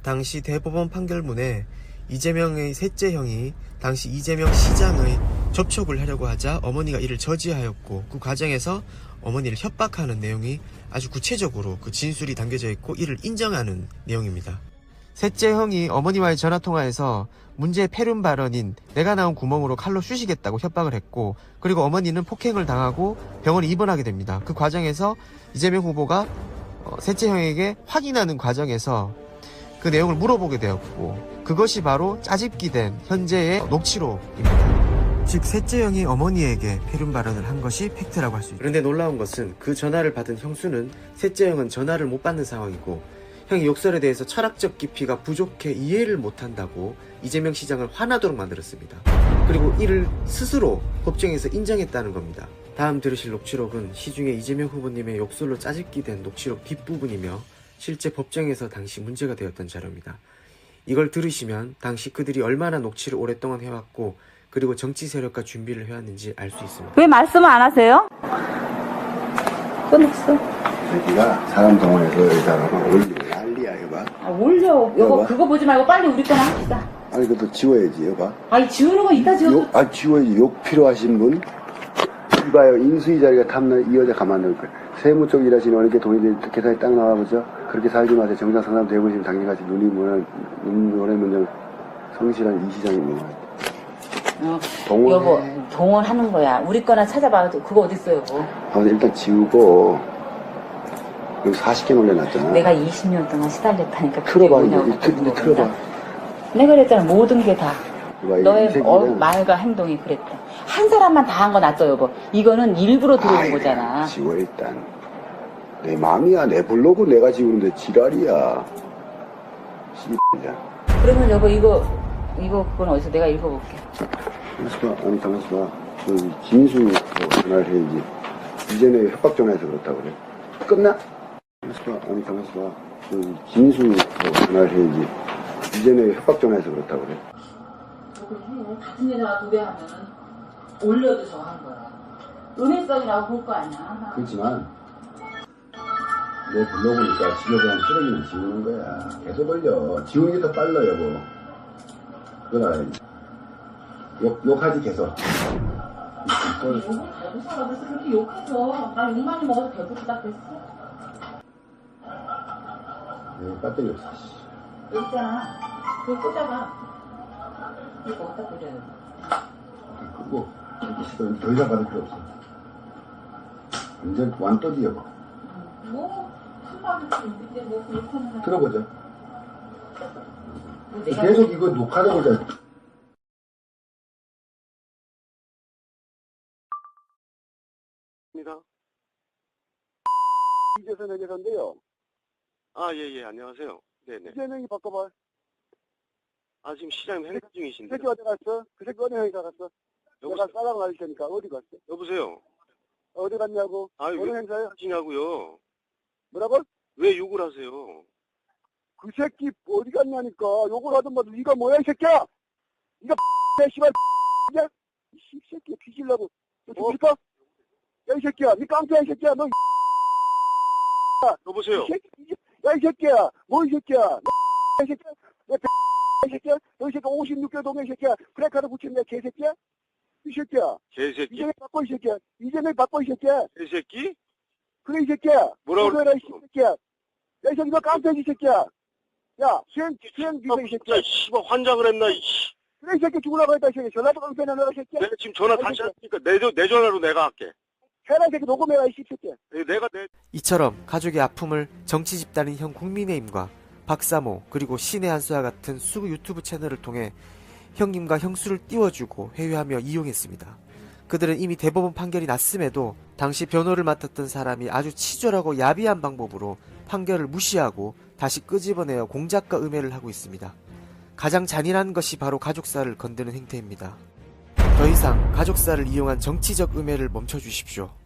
당시 대법원 판결문에 이재명의 셋째 형이 당시 이재명 시장의 접촉을 하려고 하자 어머니가 이를 저지하였고, 그 과정에서 어머니를 협박하는 내용이 아주 구체적으로 그 진술이 담겨져 있고 이를 인정하는 내용입니다. 셋째 형이 어머니와의 전화통화에서 문제의 폐륜 발언인 내가 나온 구멍으로 칼로 쑤시겠다고 협박을 했고, 그리고 어머니는 폭행을 당하고 병원에 입원하게 됩니다. 그 과정에서 이재명 후보가 셋째 형에게 확인하는 과정에서 그 내용을 물어보게 되었고, 그것이 바로 짜집기 된 현재의 녹취록입니다. 즉 셋째 형이 어머니에게 폐륜 발언을 한 것이 팩트라고 할 수 있습니다. 그런데 놀라운 것은 그 전화를 받은 형수는 셋째 형은 전화를 못 받는 상황이고, 형이 욕설에 대해서 철학적 깊이가 부족해 이해를 못한다고 이재명 시장을 화나도록 만들었습니다. 그리고 이를 스스로 법정에서 인정했다는 겁니다. 다음 들으실 녹취록은 시중에 이재명 후보님의 욕설로 짜집기 된 녹취록 뒷부분이며 실제 법정에서 당시 문제가 되었던 자료입니다. 이걸 들으시면 당시 그들이 얼마나 녹취를 오랫동안 해왔고, 그리고 정치 세력과 준비를 해왔는지 알 수 있습니다. 왜 말씀을 안 하세요? 끊었어. 네가 사람 동원해서 여기다가 올리고 난리야, 여봐. 아, 올려. 여보, 그거 보지 말고 빨리 우리 거나 합시다. 아니, 그것도 지워야지, 여봐. 아니, 지우는 거 이따 지워도. 지워야지. 욕 필요하신 분? 이봐요, 인수위 자리가 탐나 이 여자 가만 놓을 거야. 세무 쪽 일하시는 어느 게 돈이 계산이 딱 나와보죠? 그렇게 살지 마세요. 정상 상담 대보시면 당신같이 눈이 뭐냐, 눈 성실한 이 시장이 뭐. 여보, 동원하는 거야. 우리 거나 찾아봐도 그거 어딨어, 여보. 아무튼 일단 지우고, 여기 40개 올려놨잖아. 내가 20년 동안 시달렸다니까. 틀어봐, 이제 틀어봐. 내가 그랬잖아, 모든 게 다. 이봐, 너의 말과 행동이 그랬다. 한 사람만 다 한 거 낫죠, 여보. 이거는 일부러 들어온 거잖아. 지워, 일단. 내 맘이야. 내 블로그 내가 지우는데 지랄이야. 씨X야. 그러면 여보, 이거 그건 어디서 내가 읽어볼게. 아니, 가만있어 봐. 그, 김수 전화를 해야지. 이전에 협박 전화해서 그렇다고 그래. 끝나? 아니, 가만있어 봐. 그, 김수 전화를 해야지. 이전에 협박 전화해서 그렇다고 그래. 그래, 같은 여자가 도배하면은 올려도 저거 한 거야. 은혜성이라고 볼 거 아니야. 그렇지만, 내 블로그니까 지겨운 쓰레기는 지우는 거야. 계속 올려. 지우는 게 더 빨라, 여보. 그건 알아야지. 욕하지, 계속. 욕을 달고 살아. 그래서 그렇게 욕해서 나 욕 많이 먹어도 배부르다 그랬어. 배터리 없어. 여기 있잖아. 그거 꽂아봐. 이거 어디다 꽂아요? 끄고, 더 이상 받을 필요 없어. 완전 완또지, 여보. 뭐, 한마디 근데 뭐 욕하는 거. 들어보자. 계속 이거 녹화를 보자. 이재선 회계사인데요. 아, 예, 안녕하세요. 네네. 이재명이 바꿔봐. 아, 지금 시장님 행사 중이신데. 새끼 어디 갔어? 그 새끼 어디 행사 갔어? 내가 싸라고 할 테니까 어디 갔어? 여보세요? 어디 갔냐고? 아니, 어느 왜 행사야? 하시냐고요? 뭐라고? 왜 욕을 하세요? 그 새끼 어디 갔냐니까. 욕을 하든 뭐든 네가 뭐야 이 새끼야? 네가 내 씨발 야? 이 새끼 뒤질라고. 너 죽일까? 야 이 새끼야. 네 깡패야 이 새끼야. 너 여보세요? 야 이 새끼야. 뭐 이 새끼야. 이 새끼야. 이 새끼야. 너 이 새끼 56개 동네 이 새끼야. 프레카드 붙였냐 개새끼야? 이 새끼야. 개새끼? 이재명 바꿔 이 새끼야. 이재명 바꿔 이 새끼야. 개새끼? 그래 이 새끼야. 뭐라고 그래 이 새끼야. 야 이 새끼 너 깡패지 이 새끼야. 야 수행 비서 이 새끼야. 씨발 환장을 했나, 이씨. 그래 이 새끼 죽으라고 했다 이 새끼. 전화도 깡패나 너이 새끼야. 내가 지금 전화 다시 하니까 내 전화로 내가 할게. 해라 이 새끼 녹음해라 이 새끼야. 이처럼 가족의 아픔을 정치 집단인 형 국민의힘과 박사모 그리고 신의 한수와 같은 수구 유튜브 채널을 통해 형님과 형수를 띄워주고 회유하며 이용했습니다. 그들은 이미 대법원 판결이 났음에도 당시 변호를 맡았던 사람이 아주 치졸하고 야비한 방법으로 판결을 무시하고 다시 끄집어내어 공작과 음해를 하고 있습니다. 가장 잔인한 것이 바로 가족사를 건드는 행태입니다. 더 이상 가족사를 이용한 정치적 음해를 멈춰주십시오.